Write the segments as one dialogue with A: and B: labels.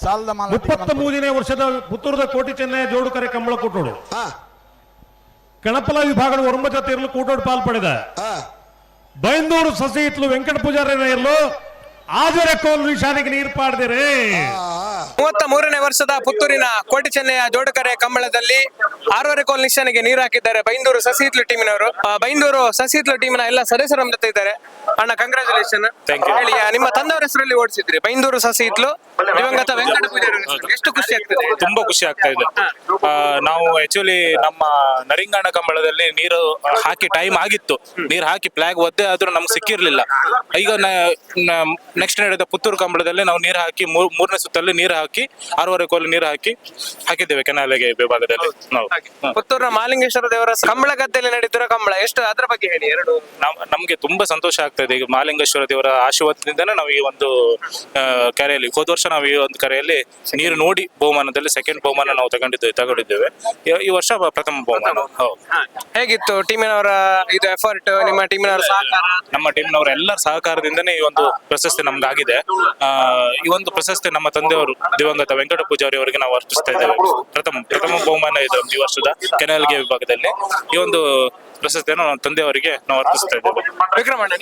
A: ಸಾಲದ ಮಾಲ
B: 33ನೇ ವರ್ಷದ ಪುತ್ತೂರದ ಕೋಟಿ ಚೆನ್ನೈ ಜೋಡುಕರೆ ಕಂಬಳ ಕೂಟೋಡು ಕಣಪಲ ವಿಭಾಗದ ಒರಂಬ ತೀರಲು ಕೂಟೋಡು ಪಾಲ್ಪಡಿದ ಬೈಂದೂರು ಸಸಿ ಇತ್ಲು ವೆಂಕಟ ಪೂಜಾರಿ ಇರ್ಲು ಆಜರೆ ಕೋಲು ನಿಶಾನೆಗೆ ನೀರು ಪಾಡ್ದಿರಿ
C: 33ನೇ ವರ್ಷದ ಪುತ್ತೂರಿನ ಕೋಟಿ ಚೆನ್ನೈಯ ಜೋಡುಕರೆ ಕಂಬಳದಲ್ಲಿ 6.5 ಕೋಲ್ ನಿಶಾನೆಗೆ ನೀರು ಹಾಕಿದ್ದಾರೆ ಬೈಂದೂರು ಸಸಿಹಿತ್ಲು ಟೀಮಿನವರು. ಬೈಂದೂರು ಸಸಿಹಿತ್ಲು ಟೀಮಿನ ಎಲ್ಲ ಸದಸ್ಯರು ನಮ್ಮ ಜೊತೆ ಇದ್ದಾರೆ. ಅಣ್ಣ ಕಂಗ್ರಾಚುಲೇಷನ್. ಹೇಳಿ, ನಿಮ್ಮ ತಂದೆಯವರ ಹೆಸರಲ್ಲಿ ಓಡಿಸಿದ್ರಿ ಬೈಂದೂರು ಸಸಿಹಿತ್ಲು ದಿವಂಗತ ವೆಂಕಟ ಪೂಜಾರಿ ಹೆಸರಲ್ಲಿ. ಎಷ್ಟು ಖುಷಿ ಆಗ್ತದೆ?
D: ತುಂಬಾ ಖುಷಿ ಆಗ್ತಾ ಇದೆ. ನಾವು ಆಕ್ಚುಲಿ ನಮ್ಮ ನರಿಂಗಾಣ ಕಂಬಳದಲ್ಲಿ ನೀರು ಹಾಕಿ ಟೈಮ್ ಆಗಿತ್ತು, ನೀರು ಹಾಕಿ ಫ್ಲಾಗ್ ಒದ್ದೆ ಆದ್ರೂ ನಮ್ಗೆ ಸಿಕ್ಕಿರ್ಲಿಲ್ಲ. ಈಗ ನೆಕ್ಸ್ಟ್ ನಡೆದ ಪುತ್ತೂರು ಕಂಬಳದಲ್ಲಿ ನಾವು ನೀರು ಹಾಕಿ ಮೂರನೇ ಸುತ್ತಲ್ಲಿ ನೀರು ಹಾಕಿ 6.5 ಕೋಲು ನೀರು ಹಾಕಿದ್ದೇವೆ ಕೆನಾಲೆಗೆ ವಿಭಾಗದಲ್ಲಿ. ನಾವು
C: ಪುತ್ತೂರಿನ ಮಾಲಿಂಗೇಶ್ವರ ದೇವರ ಕಂಬಳ ಗದ್ದೆಯಲ್ಲಿ ನಡೀತಿರೋ ಕಂಬಳ ಎಷ್ಟು, ಅದರ ಬಗ್ಗೆ ಹೇಳಿ. ಎರಡು
D: ನಮ್ಗೆ ತುಂಬಾ ಸಂತೋಷ ಆಗ್ತಾ ಇದೆ. ಈಗ ಮಾಲಿಂಗೇಶ್ವರ ದೇವರ ಆಶೀರ್ವಾದದಿಂದನೇ ನಾವು ಈ ಒಂದು ಕರೆಯಲ್ಲಿ ಹೋದ ವರ್ಷ ನಾವು ಈ ಒಂದು ಕರೆಯಲ್ಲಿ ನೀರು ನೋಡಿ ಬಹುಮಾನದಲ್ಲಿ ಸೆಕೆಂಡ್ ಬಹುಮಾನ ನಾವು ತಗೊಂಡಿದ್ದೇವೆ. ಈ ವರ್ಷ ಪ್ರಥಮ ಬಹುಮಾನ.
C: ಹೇಗಿತ್ತು ಟೀಮಿನವರ ಇದು ಎಫರ್ಟ್, ನಿಮ್ಮ ಟೀಮಿನವರ ಸಹಕಾರ?
D: ನಮ್ಮ ಟೀಮ್ನವರ ಎಲ್ಲರ ಸಹಕಾರದಿಂದನೇ ಈ ಒಂದು ಪ್ರಶಸ್ತಿ ನಮ್ಗಾಗಿದೆ. ಈ ಒಂದು ಪ್ರಶಸ್ತಿ ನಮ್ಮ ತಂದೆಯವರು ದಿವಂಗತ ವೆಂಕಟ ಪೂಜಾರಿ ಅವರಿಗೆ ನಾವು ಅರ್ಪಿಸ್ತಾ ಇದ್ದೇವೆ. ಪ್ರಥಮ ಬಹುಮಾನ ಇದೆ ಈ ವರ್ಷದ ಕೆನಲ್ಗೆ ವಿಭಾಗದಲ್ಲಿ. ಈ ಒಂದು ಪ್ರಶಸ್ತಿಯನ್ನು ನಮ್ಮ ತಂದೆಯವರಿಗೆ ನಾವು ಅರ್ಪಿಸ್ತಾ ಇದ್ದೇವೆ.
C: ವಿಕ್ರಮಣ್ಣ,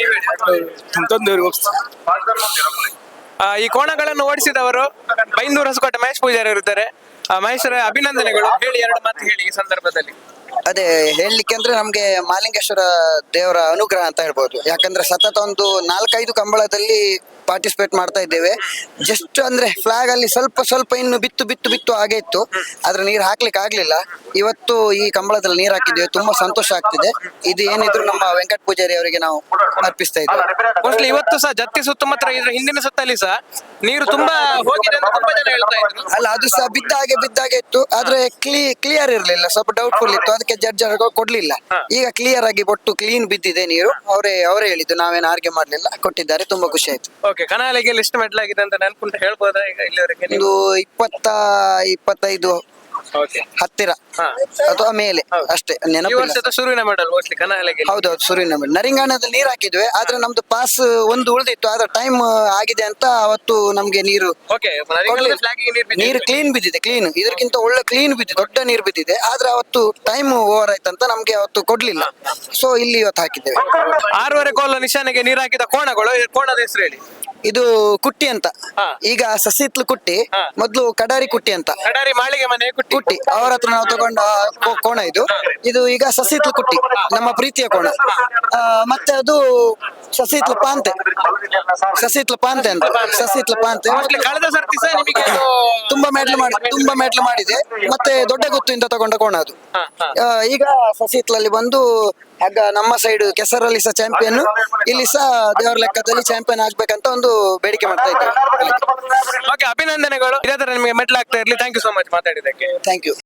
C: ಈ ಕೋಣಗಳನ್ನು ಓಡಿಸಿದವರು ಬೈಂದೂರು ಹೊಸಕೋಟೆ ಮಹೇಶ್ ಪೂಜಾರಿ ಇರ್ತಾರೆ. ಮಹೇಶ್ವರ ಅಭಿನಂದನೆಗಳು. ಹೇಳಿ, ಎರಡು ಮಾತು ಹೇಳಿ ಈ ಸಂದರ್ಭದಲ್ಲಿ.
E: ಅದೇ ಹೇಳಲಿಕ್ಕೆ ಅಂದ್ರೆ ನಮ್ಗೆ ಮಾಲಿಂಗೇಶ್ವರ ದೇವರ ಅನುಗ್ರಹ ಅಂತ ಹೇಳ್ಬೋದು. ಯಾಕಂದ್ರೆ ಸತತ ಒಂದು 4-5 ಕಂಬಳದಲ್ಲಿ ಪಾರ್ಟಿಸಿಪೇಟ್ ಮಾಡ್ತಾ ಇದ್ದೇವೆ. ಜಸ್ಟ್ ಅಂದ್ರೆ ಫ್ಲಾಗ್ ಅಲ್ಲಿ ಸ್ವಲ್ಪ ಇನ್ನು ಬಿತ್ತು ಹಾಗೆ ಇತ್ತು, ಆದ್ರೆ ನೀರು ಹಾಕ್ಲಿಕ್ಕೆ ಆಗ್ಲಿಲ್ಲ. ಇವತ್ತು ಈ ಕಂಬಳದಲ್ಲಿ ನೀರು ಹಾಕಿದ್ದೇವೆ, ತುಂಬಾ ಸಂತೋಷ ಆಗ್ತಿದೆ. ಇದು ಏನಿದ್ರು ನಮ್ಮ ವೆಂಕಟ ಪೂಜಾರಿ ಅವರಿಗೆ ನಾವು ಅರ್ಪಿಸ್ತಾ ಇದ್ದೇವೆ.
C: ಮೋಸ್ಟ್ಲಿ ಇವತ್ತು ಸಹ ಜತ್ತಿ ಸುತ್ತಮುತ್ತ ಇದ್ರ ಹಿಂದಿನ ಸುತ್ತಲ್ಲಿ ಸಹ ನೀರು ತುಂಬಾ ಹೋಗಿದೆ ಅಂತ ತುಂಬಾ ಜನ ಹೇಳ್ತಾ ಇದ್ರು.
E: ಅಲ್ಲ, ಅದು ಸಹ ಬಿದ್ದಾಗೆ ಇತ್ತು, ಆದ್ರೆ ಕ್ಲಿಯರ್ ಇರ್ಲಿಲ್ಲ, ಸ್ವಲ್ಪ ಡೌಟ್ಫುಲ್ ಇತ್ತು. ಅದಕ್ಕೆ ಜಡ್ಜ್ ಕೊಡ್ಲಿಲ್ಲ. ಈಗ ಕ್ಲಿಯರ್ ಆಗಿ ಬೊಟ್ಟು ಕ್ಲೀನ್ ಬಿದ್ದಿದೆ ನೀರು. ಅವರೇ ಹೇಳಿದ್ದು, ನಾವೇನು ಆರ್ಗೆ ಮಾಡ್ಲಿಲ್ಲ, ಕೊಟ್ಟಿದ್ದಾರೆ. ತುಂಬಾ ಖುಷಿ ಆಯ್ತು.
C: ಓಕೆ, ಕನಾಲಿಗೆ ಎಷ್ಟು ಮೆಟ್ಲಾಗಿದೆ ಅಂತ ನೆನ್ಪುಂಟು ಹೇಳ್ಬೋದಾ ಈಗ ಇಲ್ಲಿವರೆಗೆ?
E: ಒಂದು 20-25 ಹತ್ತಿರ ಅಥವಾ ಮೇಲೆ ಅಷ್ಟೇ, ನೆನಪಿಲ್ಲ.
C: ಶುರುವಿನ ಮೆಡಲ್ ಮೋಸ್ಟ್ಲಿ ಕನಾಲಿಗೆ.
E: ಹೌದೌದು, ಶುರುವಿನ ಮೆಡಲ್. ನರಿಂಗಾಣದಲ್ಲಿ ನೀರು ಹಾಕಿದ್ವಿ, ಆದ್ರೆ ನಮ್ದು ಪಾಸ್ ಒಂದು ಉಳಿದಿತ್ತು. ಆದ್ರೆ ಟೈಮ್ ಆಗಿದೆ ಅಂತ ಅವತ್ತು ನಮ್ಗೆ ನೀರು ಕ್ಲೀನ್ ಬಿದ್ದಿದೆ. ಇದಕ್ಕಿಂತ ಒಳ್ಳೆ ಕ್ಲೀನ್ ಬಿದ್ದಿದೆ, ದೊಡ್ಡ ನೀರು ಬಿದ್ದಿದೆ. ಆದ್ರೆ ಅವತ್ತು ಟೈಮ್ ಓವರ್ ಆಯ್ತಂತ ನಮ್ಗೆ ಅವತ್ತು ಕೊಡ್ಲಿಲ್ಲ. ಸೊ ಇಲ್ಲಿ ಇವತ್ತು ಹಾಕಿದ್ದೇವೆ.
C: 6.5 ಕೋಲ ನಿಶಾನೆಗೆ ನೀರು ಹಾಕಿದ ಕೋಣಗಳು, ಕೋಣದ ಹೆಸರು ಹೇಳಿ.
E: ಇದು ಕುಟ್ಟಿ ಅಂತ. ಈಗ ಸಸಿತ್ಲು ಕುಟ್ಟಿ, ಮೊದ್ಲು ಕಡಾರಿ ಕುಟ್ಟಿ ಅಂತ.
C: ಕಡಾರಿ ಮಾಳಿಗೆ ಮನೆ
E: ಕುಟ್ಟಿ ಅವ್ರ ಹತ್ರ ನಾವು ತಗೊಂಡ ಕೋಣ ಇದು ಈಗ ಸಸಿತ್ಲು ಕುಟ್ಟಿ, ನಮ್ಮ ಪ್ರೀತಿಯ ಕೋಣ. ಮತ್ತೆ ಅದು ಸಸಿತ್ಲು ಪಾಂತೆ ಅಂತ.
C: ಕಳೆದ ಸರ್ತಿ ಸಹ ನಿಮಗೆ
E: ತುಂಬಾ ಮೆಟ್ಲು ಮಾಡಿದೆ. ಮತ್ತೆ ದೊಡ್ಡ ಗುತ್ತಿಂದ ತಗೊಂಡ ಕೋಣ ಅದು. ಈಗ ಸಸಿತ್ಲಲ್ಲಿ ಬಂದು ಆಗ ನಮ್ಮ ಸೈಡ್ ಕೆಸರಲ್ಲಿ ಸಹ ಚಾಂಪಿಯನ್, ಇಲ್ಲಿ ಸಹ ದೇವರ ಲೆಕ್ಕದಲ್ಲಿ ಚಾಂಪಿಯನ್ ಆಗ್ಬೇಕಂತ ಒಂದು ಬೇಡಿಕೆ ಮಾಡ್ತಾ ಇದ್ದೇವೆ.
C: ಓಕೆ, ಅಭಿನಂದನೆಗಳು. ಇದೇ ತರ ನಿಮಗೆ ಮೆಟ್ಲ್ ಆಗ್ತಾ ಇರ್ಲಿ. ಥ್ಯಾಂಕ್ ಯು ಸೋ ಮಚ್ ಮಾತಾಡಿದ್ದಕ್ಕೆ.
E: Thank you.